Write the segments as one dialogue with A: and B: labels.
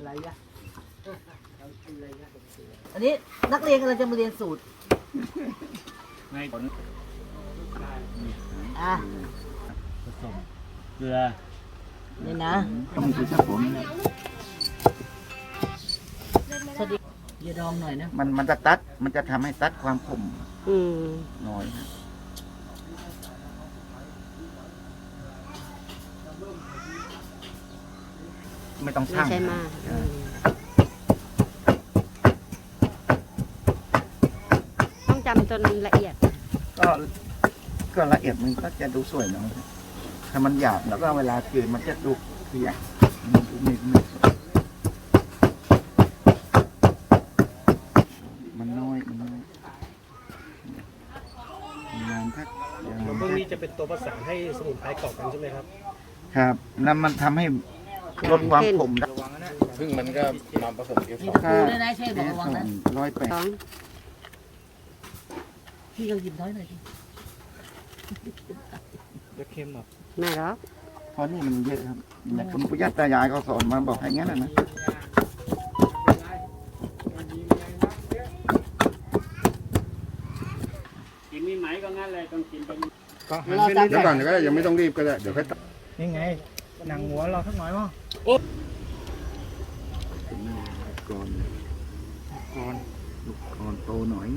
A: อันนี้นักเรียนกำลังจะมาเรียนสูตรอ่ะ
B: ผสมเกลือ
A: นี่นะ
C: ต้องมีสักผม
A: สวัสดีอย่าดองหน่อยนะ
C: มันจะตัดมันจะทำให้ตัดความขมน้อยนะไม่ต้องช่าง
D: ไม่ใช่มากต้องจำจนละเอียด
C: ก็ละเอียดมันก็จะดูสวยหน่อยถ้ามันหยาบแล้วก็เวลาเกินมันจะดูเพี้ยมันน้อยงานทัก
B: พวกนี้จะเป็นตัวประสานให้สมุนไพรเกาะกันใช่ไหมครับ
C: ครับแล้วมันทำให้ลดความขมได้
E: ซึ่งมันก็มาผสมเอฟ
A: มีตะปูด้วยนะเช่บอกระวังนะ
C: 108
A: พี่เราหยิบน้อยหน่อยดิ
B: จะเค็มหรอ
D: ไม่หรอก
C: เพราะนี่มันเยอะครับแต่คุณปู่ย่าตายายเขาสอนมาบอกให้งั้นนะ
B: กินมีไหมก็งั้นเลยต้องกินไป
E: เดี๋ยวก่อนก็ได้ยังไม่ต้องรีบก็ได้เดี๋ยวค่อยตัด
B: นี่ไงหนังหัวเราสักหน่อยมั้ง
C: ก่อนโตหน่อย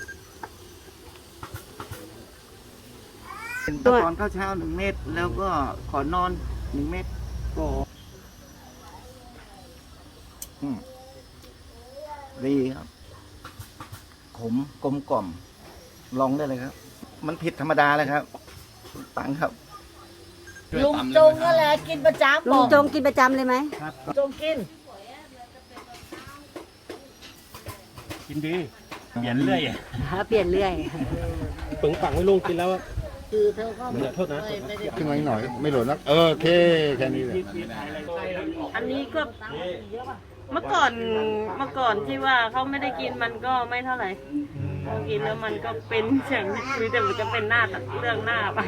C: เป็นตะกอนข้าวเช้า1 เม็ดแล้วก็ขอนอน1 เม็ดก็ดีครับขมกลมกล่อมลองได้เลยครับ มันผิดธรรมดาเลยครับตังครับ
A: ลุงจงนั่นแหละกินประจำ
D: ลุงจงกินประจำเลยไหม
A: จงกิน
B: ดีเปลี่ยนเรื่อย
D: เปลี่ยนเรื่อย
B: ปึงปังไม่ลุงกินแล้ว
A: คือเธอก็
B: โทษนะ
E: ขึ้นมาหน่อยไม่หล่นนะโอเคแค่นี้เลย
F: อันนี้ก็เมื่อก่อนที่ว่าเขาไม่ได้กินมันก็ไม่เท่าไหร่พอกินแล้วมันก็เป็นอย่างนี้แต่มันจะเป็นหน้าเรื่องหน้าไป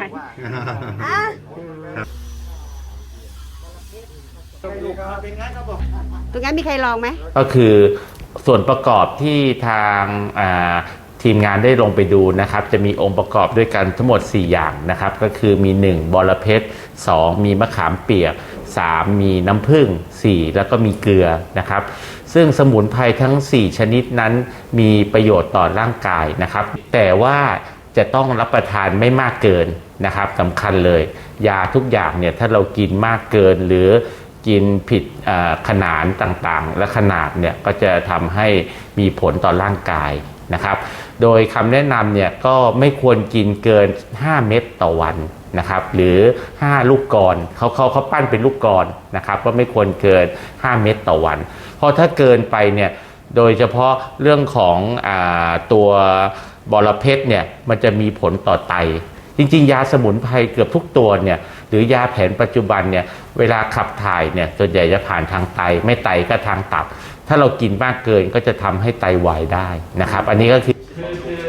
D: ตรงนั้นมีใครลองไหม
G: ก็คือส่วนประกอบที่ทางทีมงานได้ลงไปดูนะครับจะมีองค์ประกอบด้วยกันทั้งหมด4อย่างนะครับก็คือมี1บอระเพ็ด2มีมะขามเปียก3มีน้ำผึ้ง4แล้วก็มีเกลือนะครับซึ่งสมุนไพรทั้ง4ชนิดนั้นมีประโยชน์ต่อร่างกายนะครับแต่ว่าจะต้องรับประทานไม่มากเกินนะครับสำคัญเลยยาทุกอย่างเนี่ยถ้าเรากินมากเกินหรือกินผิดขนาดต่างๆและขนาดเนี่ยก็จะทำให้มีผลต่อร่างกายนะครับโดยคำแนะนำเนี่ยก็ไม่ควรกินเกิน5 เม็ดต่อวันนะครับหรือ5 ลูกกลอนเขาปั้นเป็นลูกกลอนนะครับก็ไม่ควรเกิน5 เม็ดต่อวันเพราะถ้าเกินไปเนี่ยโดยเฉพาะเรื่องของตัวบอระเพ็ดเนี่ยมันจะมีผลต่อไตจริงๆยาสมุนไพรเกือบทุกตัวเนี่ยหรือยาแผนปัจจุบันเนี่ยเวลาขับถ่ายเนี่ยส่วนใหญ่จะผ่านทางไตไม่ไตก็ทางตับถ้าเรากินมากเกินก็จะทำให้ไตวายได้นะครับอันนี้ก็คือ